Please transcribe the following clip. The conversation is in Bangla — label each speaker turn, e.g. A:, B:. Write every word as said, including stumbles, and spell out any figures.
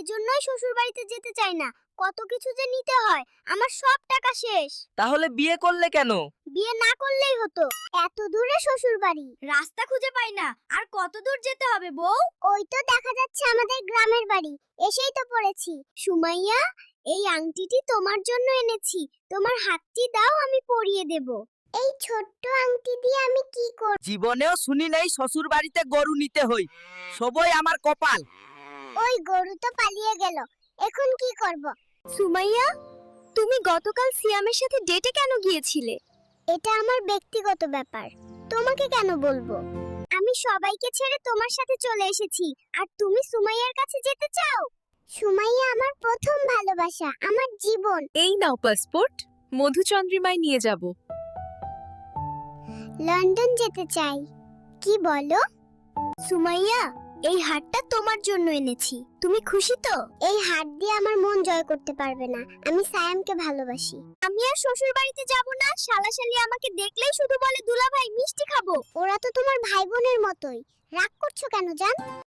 A: জন্যই শ্বশুর বাড়িতে যেতে চাই না। কত কিছু যে নিতে হয়, আমার সব টাকা শেষ।
B: তাহলে বিয়ে করলে কেন?
A: বিয়ে না করলেই হতো। এত দূরে শ্বশুর বাড়ি, রাস্তা খুঁজে পাই না। আর কত দূর যেতে হবে বউ? ওই তো দেখা যাচ্ছে আমাদের গ্রামের বাড়ি, এসেই তো পড়েছি। সুমাইয়া, এই আংটিটি তোমার জন্য এনেছি। তোমার হাতটি দাও, আমি পরিয়ে দেব। এই ছোট্ট আংটি দিয়ে আমি কি করব?
B: জীবনেও শুনি নাই শ্বশুর বাড়িতে গরু নিতে হই। সবই আমার কপাল।
A: ওই গরু তো পালিয়ে গেল, এখন কি করব? সুমাইয়া, তুমি গতকাল সিয়ামের সাথে ডেটে কেন গিয়েছিলে? এটা আমার ব্যক্তিগত ব্যাপার, তোমাকে কেন বলবো? আমি সবাইকে ছেড়ে তোমার সাথে চলে এসেছি, আর তুমি সুমাইয়ার কাছে যেতে চাও? সুমাইয়া আমার প্রথম ভালোবাসা, আমার জীবন।
C: এই নাও পাসপোর্ট, মধুচন্দ্রিমায় নিয়ে যাব।
A: লন্ডন যেতে চাই। কি বলো? সুমাইয়া, এই হারটা তোমার জন্য এনেছি। তুমি খুশি তো? এই হার দিয়ে আমার মন জয় করতে পারবে না। আমি সায়ামকে ভালোবাসি। আমি আর শ্বশুর বাড়িতে যাব না। শালাশালি আমাকে দেখলেই শুধু বলে দুলাভাই মিষ্টি খাবো। ওরা তো তোমার ভাই বোনের মতোই। রাগ করছো কেন জান?